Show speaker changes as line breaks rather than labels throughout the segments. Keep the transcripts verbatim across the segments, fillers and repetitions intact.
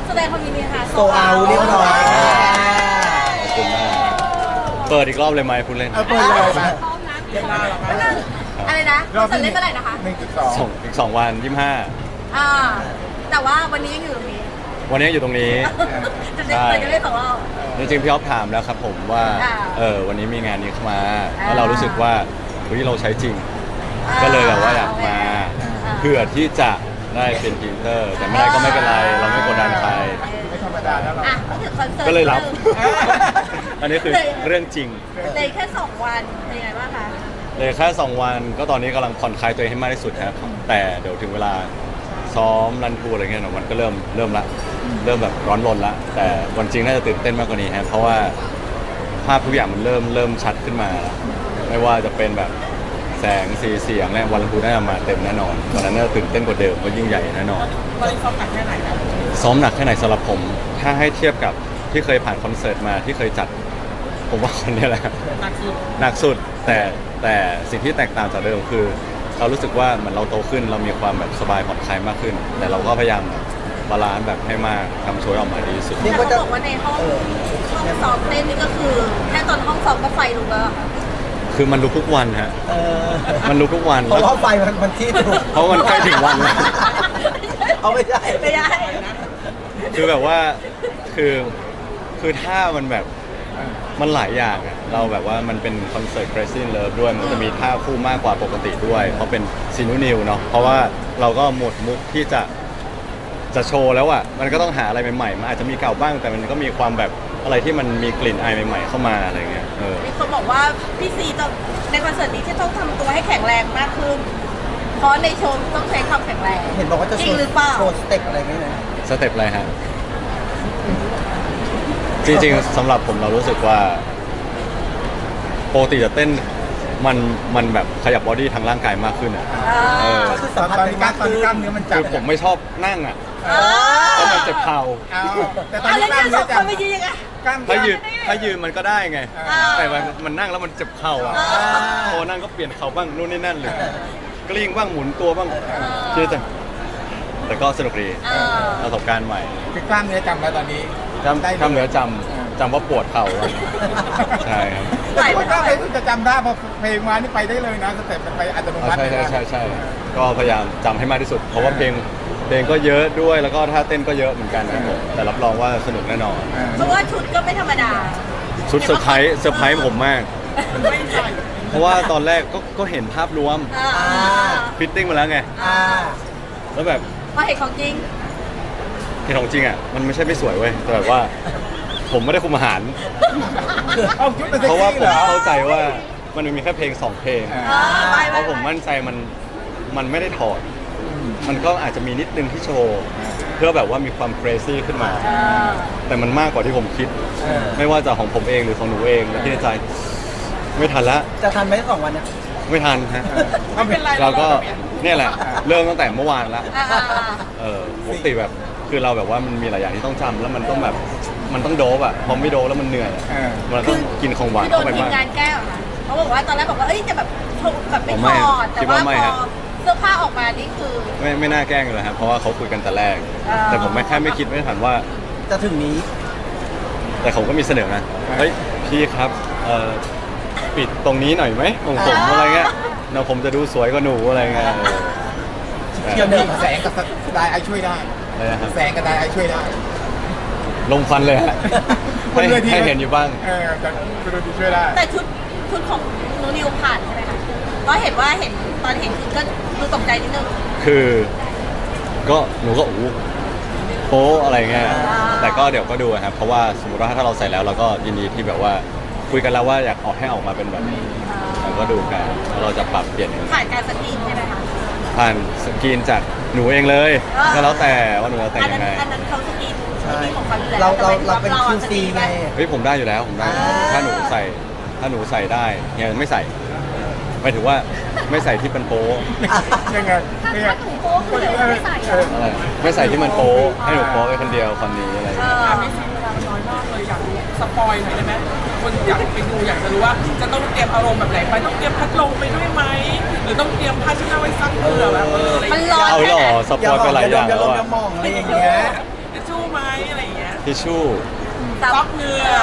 แสดงความยินดีค่ะ
โซเอาเรียบร้อย
ขอบคุณมากเปิดอีกรอบเลยไหมพูดเล่น
เอาเปิดเลยมา
อะไรนะคอนเสิร์ตเล่นเมื่อไหร่นะคะ
หนึ่งจุดสอง
สองอีกสองวันยี่สิบห้า
อ่าแต่ว่าวันนี้ยังอยู่ตรงนี้
วันนี้อยู่ตรงนี้
จะได้จะได้สองรอบ
จริงๆพี่อ๊อฟถามแล้วครับผมว่า
อ่า
เออวันนี้มีงานนี้เข้ามา
อ่า
แล้วเรารู้สึกว่าเฮ้ยเราใช้จริง
อ่า
ก็เลยแบบว่าอยากมา
อ่า
เพื่อที่จะได้เป็นพรีเซนเตอร์ แต่ไม่ได้ก็ไม่เป็นไร เราไม่กดดันใคร
ไม่ธรรมดาแล้วเรา
อ่ะพูดถึงคอนเสิร์ต
ก็เลยรับ
นิดนึง
อันนี้คือเรื่องจริง
เลยแค่สองวันเป็นยังไงบ้างคะ
เลยแค่สองวันก็ตอนนี้กำลังผ่อนคลายตัวเองให้มากที่สุดครับแต่เดี๋ยวถึงเวลาซ้อมรันทูอะไรเงี้ยเนอะมันก็เริ่มเริ่มละเริ่มแบบร้อนรนละแต่วันจริงน่าจะตื่นเต้นมากกว่านี้ครับเพราะว่าภาพทุกอย่างมันเริ่มเริ่มชัดขึ้นมาแล้วไม่ว่าจะเป็นแบบแสงสีเสียงเนี่ยวันรันทูน่าจะมาเต็มแน่นอนวันนั้นน่าจะตื่นเต้นกว่าเดิมว่ายิ่งใหญ่แน่นอน
ตอนนี้ซ้อมหนักแค่ไหนครับ
ซ้อมหนักแค่ไหนสำหรับผม ถ้าให้เทียบกับที่เคยผ่านคอนเสิร์ตมาที่เคยจัด ผมว่าคนนี้แหละ
หนักสุด
หนักสุดแต่แต่สิ่งที่แตกต่างจากเดิมคือ เรารู้สึกว่าเหมือนเราโตขึ้นเรามีความแบบสบายผ่อนคลายมากขึ้น แต่เราก็พยายามบาลานซ์แบบให้มากทำโชว์ออกมาดีที่สุด
เรียก
แต่
ว่า
เขา
จะ
บอกว่าในห้องห้องซ้อมเต้นนี่ก็คือแค่ตอนห้องซ้อมก็ไฟลุกแล้วอะค่ะ
คือมันลุกทุกวันฮะ
เออ
มันลุกทุกวัน
เพราะว่าไฟมันมันที่ถูก
เพราะมันใกล้ถึงวันแล้ว
เอาไม่ได้
ไม่ได้
คือแบบว่าคือคือถ้ามันแบบมันหลายอย่างอะเราแบบว่ามันเป็นคอนเสิร์ต Crazy in Love ด้วยมันจะมีท่าคู่มากกว่าปกติด้วย เพราะเป็นซีนูนิวเนาะเพราะว่าเราก็หมดมุกที่จะจะโชว์แล้วอะมันก็ต้องหาอะไรใหม่ๆมันอาจจะมีเก่าบ้าง แต่มันก็มีความแบบอะไรที่มันมีกลิ่นอายใหม่ๆเข้ามาอะไรเงี้ยเออ
มีคนบอกว่าพี่ซีต้องในคอนเสิร์ตนี้ที่ต้องทำตัวให้แข็งแรงมากขึ้น เพราะในโชว์ต้องใช้ความแข็งแรง
เห็นบอกว่าจะ
จ
โช
ริง
ว์
หรือเปล่า
โชว์สเต็ปอะไรไม่นะ
สเต็ปอะไรฮะ จริงๆสำหรับผมเรารู้สึกว่าปกติจะเต้นมันมันแบบขยับบอดี้ทางร่างกายมากขึ้นอ่ะ เออ
ก็คือสัมผัสเป็นมากขึ้น
คือผมไม่ชอบนั่งอ่ะ
อ่า
เพราะมันเจ็บเข่า
เอาแต่ตอน
เอา
นี้
แล้ว
กล้าม
เนี่ยส
เนื้
อ
อง จะ
คนไปยืนยังไง
กล้าม
ถ้ายืนถ้ายืนมันก็ได้ไง
อ่า
แต่มันมันนั่งแล้วมันเจ็บเข่าอ่ะพอนั่งก็เปลี่ยนเข่าบ้างนู่นนี่นั่นเลยกลิ้งบ้างหมุนตัวบ้างคือแต่แต่ก็สนุกดี
เออ
ประสบการณ์ใหม่
คือกล้ามเนื้อจำแล้วตอนนี้
จำจำเหนือจำจำว่าปวดเข่าอะใช่ครับ
ไหว
แต่
ไหม
ว่าถ้าเพลงจะจำได้พอเพลงมานี่ไปได้เลยนะสเต็ปมันไปอัตโน
อ๋อ
มัติ
ใช่
เลย
ใช่
นะ
ใช่ใช่ก็พยายามจำให้มากที่สุด เพราะว่าเพลงเพลงก็เยอะด้วยแล้วก็ท่าเต้นก็เยอะเหมือนกันครับผมแต่รับรองว่าสนุกแน่นอน
อ่า
เพราะว่าชุดก็ไม่ธรรมดา
ชุดเซอร์ไพรส์เซอร์ไพรส์ผมมาก
ไม่ใส่
เพราะว่าตอนแรกก็ก็เห็นภาพรวม
อ่า
ฟิตติ้งมาแล้วไง
อ่า
แล้วแบบ
พอเห็นของจริง
เห็นของจริงอ่ะมันไม่ใช่ไม่สวยเว้ยแต่แบบว่า ผมไม่ได้คุมอาหาร
เอาชุดเป็นเซ็ก
เพราะว่า
ซี่
ผ
เหร
ม
อ
เข้าใจว่ามันมีแค่เพลงสองเพลง
อ่า
เออไป
เพ
ไป
ราะผมมั่นใจมันมันไม่ได้ถอด มันก็อาจจะมีนิดนึงที่โชว์ เพื่อแบบว่ามีความ crazy ขึ้นมา
เออ
แต่มันมากกว่าที่ผมคิด
เออ
ไม่ว่าจะของผมเองหรือของหนูเองแล้วที่ในใจ ไม่ทันละ
จะทันไหมสองวันเนี่ย
ไม่ทันฮะ
ไม่เป็นไร
เราก็
แบบนี้
เนี่ยแหละ เริ่มตั้งแต่เมื่อวานละ
อ่าอ่าอ่า
เออปกติแบบคือเราแบบว่ามันมีหลายอย่างที่ต้องจำแล้วมันต้องแบบมันต้องโดบอะพอไม่โดบแล้วมันเหนื่อยอะ
เออ
มันต้องกินของหวาน
คือโด
เข้าน ไป
ทีม
บ้าง
งานแก้วเหรอค่ะเขาบอกว่าตอนแรกบอกว่าเอ้ยจะแบบโชว์แบบไม่
อ๋อ
ถ
ไม่
อดแต่
คิด
ว่า
ว่าไม่
พ
ครั
อบ เสื้อผ้าออกมานี่คือ
ไม่ไม่น่าแกล้งเลยครับเพราะว่าเขาคุยกันแต่แรก
อ่า
แต่ผมไม่แค่ไม่คิดไม่ทันว่า
จะถึงนี้
แต่เขาก็มีเสนอนะ
อ่า
เฮ้ยพี่ครับเอ่อปิดตรงนี้หน่อยไหมของผมอะไรเงี้ยเนาะผมจะดูสวยกว่าหนูอะไรเงี้ยเออ
เที่ยวนี้แสงกับสไตล์ไอช่วยได้
อะไรนะครับ
แสงกับสไตล์ไอช่วยได้
ลงฟันเลยฮะ
บน
ให้
เวที
ให้เห็นอยู่บ้าง
เออแต่บนเวทีช่วยได้
แต่ชุดชุดของนูนิวผ่านใช่ไหมคะก็เห็นว่าเห็นตอนเห็นชุดก็ดูตกใจนิดนึง
คือก็หนูก็อู้โป๊ะอะไรเงี้ย
อ่า
แต่ก็เดี๋ยวก็ดูครับ เพราะว่าสมมติว่าถ้าเราใส่แล้วเราก็ยินดีที่แบบว่าคุยกันแล้วว่าอยากออกให้ออกมาเป็นแบบนี้เราก็ดูกันแล้วเราจะปรับเปลี่ยนยังไง
ผ่านการสกรีนใช่ไหมคะ
ผ่านสกรีนจากหนูเองเลย
อ่า
ก็แล้วแต่ว่าหนูจะแต่ง
อัน
ยั
นั้น
งไง
อันนั้นเขาสกรีน
ใช่
ที่ของเขาอยู่แล้ว
เราเรา
แต่
เราเป็น
อะ
คิวซีไง
เฮ้ยผมได้อยู่แล้วผมได้
อ่า
ถ้าหนูใส่ถ้าหนูใส่ได้เฮียไม่ใส่หมายถึงว่าไม่ใส่ที่เป็นโป๊ะ
ยังไงยังไง
ถ้าหนูโป๊คือเดี๋ยวไม่ใส่เหรอ
อะไรไม่ใส่ที่มันโป๊ะให้หนูโป๊ะไปคนเดียวคนนี้อะไรอย่าง
เอ
เงี้ย
อ
ไม่ซีเวลามันน้อยมากเลยอยากรู้สปอยหน่อยได้ไหมคนอยากไปดูอยากจะรู้ว่าจะต้องเตรียมอารมณ์แบบไหนไปต้องเตรียมพัดลมไปด้วยไหมหรือต้องเตรียมผ้าเช็ดหน้าไว้ซักเผื่อแบบเอออะไรอย่าง
มัน
เงี้ย
ร้อน
เอา
แค่
หร
ไหน
อสปอยไปหลายอย่าง
อย่า
แล้ว
ลง
อะ
อย่ามองอะไรอย่างเงี้ย
จะชู้ไหม
ทิชชู่
ซับเหงื่อ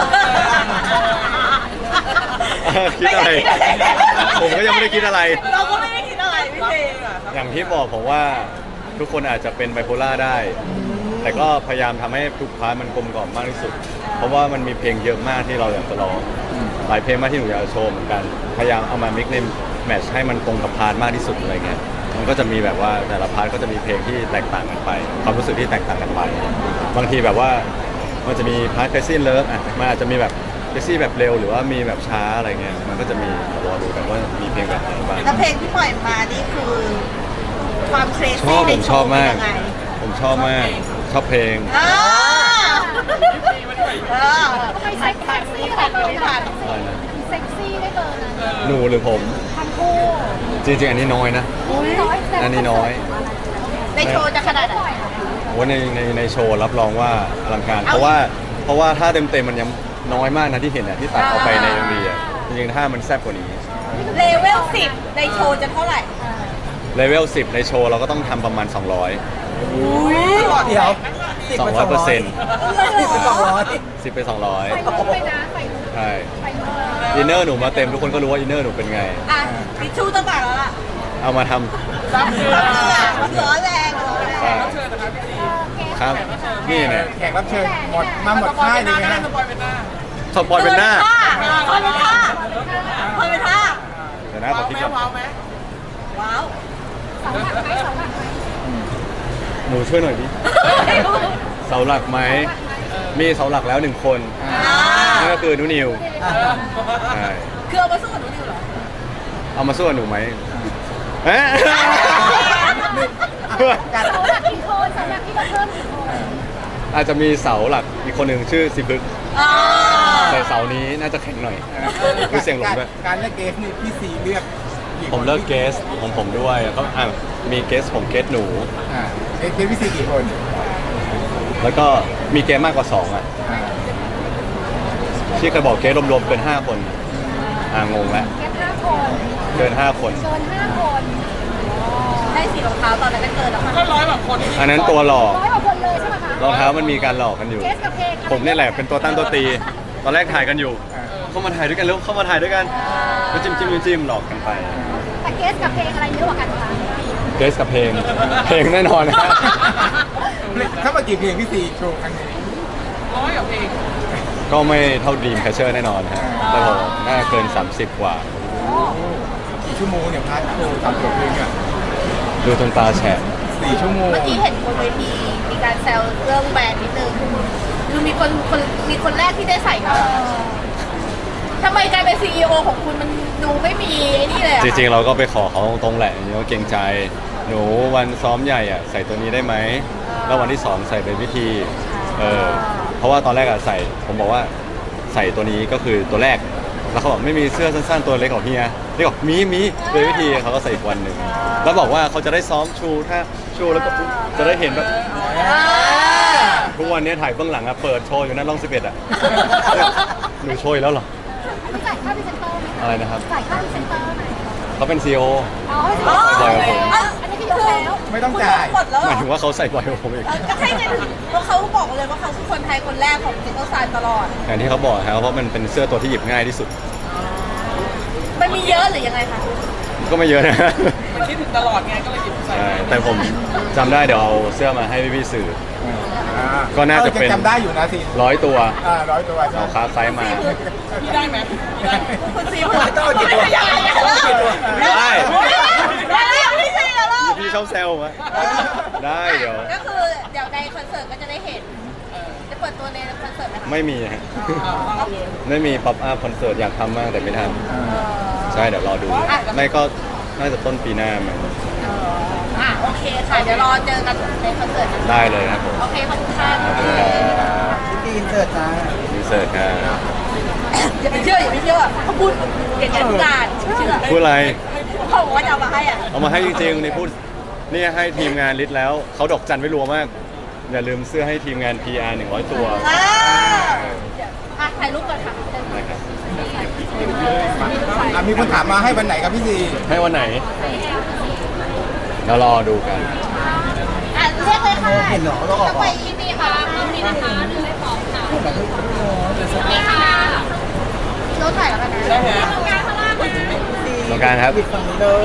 คิดอะไร ผมก็ยังไม่ได้คิดอะไร
เราก็ไม่ได้คิดอะไรพี่
ซับ
ซี
เหงื่อซับ
อย่างที่บอกผมว่าทุกคนอาจจะเป็นไบโพล่าได้ แต่ก็พยายามทำให้ทุกพาร์ทมันกลมกล่อมมากที่สุด เพราะว่ามันมีเพลงเยอะมากที่เราอยากจะร้องหลายเพลงมากที่หนูอยากจะโชว์เหมือนกัน พยายามเอามามิกในแมทช์ให้มันตรงกับพาร์ทมากที่สุดอะไรเงี้ยมันก็จะมีแบบว่าแต่ละพาร์ทก็จะมีเพลงที่แตกต่างกันไป ความรู้สึกที่แตกต่างกันไป บางทีแบบว่ามันจะมีพาร์ท Crazy Love อ่ะมันอาจจะมีแบบ Crazy แบบเร็วหรือว่ามีแบบช้าอะไรเงี้ยมันก็จะมีรอดูกันว่ามีเพลงแบบไหนบ้าง
แล้วเพลงที่ปล่อยมานี่คือความเคร
ช
ซี่
อบ
ใน
ผม
โช
ชอบ
ว์
มาก
เป็นยังไง
ผมชอบมากชอบเพลง
อ่า
พี่มันด้วย
เออ
ทำไมเซ็กซี่ได้เบอร์นั้น
อะไรนะ
เซ็กซี่ได้เบอร์นั้น
หนูหรือผม
ทั้งคู่
จริงๆ อันนี้น้อยนะ
น้อยแต่
อันนี้น้อย
ในโชว์จะขนาดไหน
โอ้ในในในโชว์รับรองว่าอลังการ เพราะว่าเพราะว่าถ้าเต็มเต็มๆมันยังน้อยมากนะที่เห็นอ่ะที่ตัดออกไปในเอ็มวีอ่ะจริงๆถ้ามันแซ่บกว่านี้
เลเวลสิบในโชว์จะเท่าไหร่
เลเวลสิบในโชว์เราก็ต้องทำประมาณ สองร้อย
เดี๋ยว
สองร้อยเปอร์เซ็นต์
สิบเป็นสองร้อย
สิบไปสองร้อย
ไปมุกไปนะไปมุก
ใช่
ไปมุก
อินเนอร์หนูมาเต็มทุกคนก็รู้ว่าอินเนอร์หนูเป็นไง
อ่ะทิชชู่ต้องมาแล้วล่ะ
เอามาทำ
ซับเหงื่อ
มันร้อนแรงร้อนแรง
ใช่
รับเชิญนะครับพี่ซี
ครับ นี่เนี่ย
แขกรับเชิญหมดมาหมดค่ายเลย
ไม่ได้
นะ
สปอยเป็นหน้า
สปอยเป็นหน้า
คอยเป็นท่าคอยเป็นท่า
เดี๋ยวนะข
ว้า
อ
ว
คิด
ไหม
ก่อน
ว้าวไหม
ว้าว
เสาหลักไหมเสาหลักไหม
หนูช่วยหน่อยดิเสาหลักไหมมีเสาหลักแล้วหนึ่งคน
อ่า
นั่นก็คือหนูนิวใช่
คือเอามาสู้กับหนูดิวเหรอ
เอามาสู้กับหนูไหมเอ๊ะ
เสาหลักกี่คนเสาหลักที่เราเพิ่มกี่คน
อาจจะมีเสาหลักอีกคนหนึ่งชื่อซิบึก
อ่า
แต่เสานี้น่าจะแข็งหน่อยคือเสียงหลงด้วย
การเลือกเกสนี่พี่ซีเลือกกี่คน
ผมเลิกเกสของผมด้วยแล้วก็อ่ะมีเกสผมเกสหนู
อ่าเกสพี่ซีกี่คน
แล้วก็มีเกสมากกว่าสองอ่ะ
อ่า
ที่เคยบอกเกสรวมๆเป็นห้าคนอ่างงแล้ว
แค่ห้าคน
เกินห้าคน
เกินห้าคน
ได้สีรองเท้าตอนนั้นก็เกินแล้วค่ะ
ก็ร้อยแบบคนที่
อันนั้นตัวหลอก
ร้อยกว่าคนเลยใช่ไหมคะ
รองเท้ามันมีการหลอกกันอยู่
เกสกับเพลง
ผมนี่แหละเป็นตัวตั้งตัวตี ตอนแรกถ่ายกันอยู่ เข้ามาถ่ายด้วยกันแล้วเข้ามาถ่ายด้วยกันแล้วจิ้มจิ้มจิ้มจิ้มหลอกกันไป
แต่เกสกับเพลงอะไรเยอะกว่ากันคะ
เกสกับเพลง เพลงแน่นอนนะ
ถ้ามากี่เพลงพี่ซีโชว์ครั้งนี้
ร้อยกับเพลง
ก็ไม่เท่าดีมแคชเชอร์แน่นอนฮะแต่ผมน่าเกิน สามสิบ กว่า
กี่ชั่วโมงเนี่ยพาร์ทโชว์สามสิบเพลงอ่ะ
ดูจนตาแฉะ
สี่ชั่วโมง
เมื่อกี้เห็นบนเวทีมีการแซวเรื่องแบรนด์นิดนึงคือมีคนคนมีคนแรกที่ได้ใส่มาทำไมกลายเป็นซีอีโอของคุณมันดูไม่มีไอ้นี่เลยอะ
จริงๆ เราก็ไปขอเขาตรงๆแหละอย่างนี้ก็เกรงใจ หนูวันซ้อมใหญ่อะใส่ตัวนี้ได้ไหม แล้ววันที่สองใส่เป็นวิธี เออ เพราะว่าตอนแรกอะใส่ ผมบอกว่าใส่ตัวนี้ก็คือตัวแรก แล้วเขาบอกไม่มีเสื้อสั้นๆตัวเล็กของเฮียนี่บอกมีมีเป็นวิธีเขาก็ใส่อีกวันหนึ่ง แล้วบอกว่าเขาจะได้ซ้อมชูถ้าชูแล้วก็จะได้เห็นแบบ
อ่า
ทุกวันนี้ถ่ายเบื้องหลังอะเปิดโชว์อยู่นั่นร่องสิบเอ็ดอะ หนูโชว์อีกแล้วเหรอ
จ่ายค่าพรีเซนเตอร์ไหม
อะไรนะครับ
จ่ายค่าพรีเซนเตอร์ไหม
เขาเป็นซีอีโอ
อ๋อ
อ๋อ
ใส่กับผม
อ่ะ
อันนี้คือยกแล้ว
ไม่ต้องจ่าย
หมดแล้ว
ห
เหร
มาย
อ
ถึงว่าเขาใส่บ่อยกว่าผมอีก
เออก็ใช่ไงเพราะเขาบอกเลยว่าเขาคือคนไทยคนแรกของจิตโตซานตลอด
อย่างที่เขาบอกครับเพราะมันเป็นเสื้อตัวที่หยิบง่ายที่สุด
มันมีเยอะหรือยังไงคะ
ก็ไม่เยอะนะ
มันคิดถึงตลอดไงก็เลยหยิบใส่
ใช่แต่ผมจำได้เดี๋ยวเอาเสื้อมาให้พี่ๆสื่อ
อ่า
ก็น่าจะเป็น
ออจำได้อยู่นะซี
ร้อยตัว
อ่าร้อยตัวใช่
เอาคาไซส์มา
พี่ได้ไหมพี่ได้ไหม
คุณซี
ต้องเอากี่ตัว
ไม่ได้
ได้
ได้ไม่ใช่เหรอ
พี่ชอบแซวมาได้เดี๋ยว
ก็คือเดี๋ยวในคอนเสิร์ตก็จะได้เห็นจะเปิดตัวในคอนเสิร์ตไหมคะ
ไม่มีฮะไม่มีป๊อปอัพคอนเสิร์ตอยากทำมากแต่ไม่ทำใช่เดี๋ยวรอดู ไม่ก็น่าจะต้นปีหน้ามั้ง
อ่ะโอเคค่ะเดี๋ยวรอเจอกันในคอนเสิร์ตนะคะ
ได้เลยครับผม
โอเคขอบคุณค่ะ
ขอบคุณครับ
พี่ซีอินเสิร์ตจ้า
อินเสิร์ตครับ
อย่าไปเชื่ออย่าไปเชื่อเขาพูดเก่งๆทุกการเชื่อ
พูดอะไร
เขาบอกว่าจะเอามาให้อ่ะ
เอามาให้จริงๆในพูดนี่ให้ทีมงานลิสต์แล้วเขาดอกจันไว้รัวมาก อย่าลืมเสื้อให้ทีมงาน พี อาร์ หนึ่งร้อยตัว
อ่าอ่ะถ่ายรูปก่อนค่ะ
นะครับ
อ่ะมีคนถามมาให้วันไหนครับพี่ซี
ให้วันไหนเดี๋ยวรอดูกัน
อ่ะเรียกเลยค่ะ
เห็นเหรอต้องออก
ไปที่นี่ค่ะมี
นะคะหนึ่งไม่พร้อมค่ะ
นี่ค่ะเราถ่ายแล้วกันนะ
ได้ไหม
ตรงกลางข้างล่าง
ตรงกลางครับ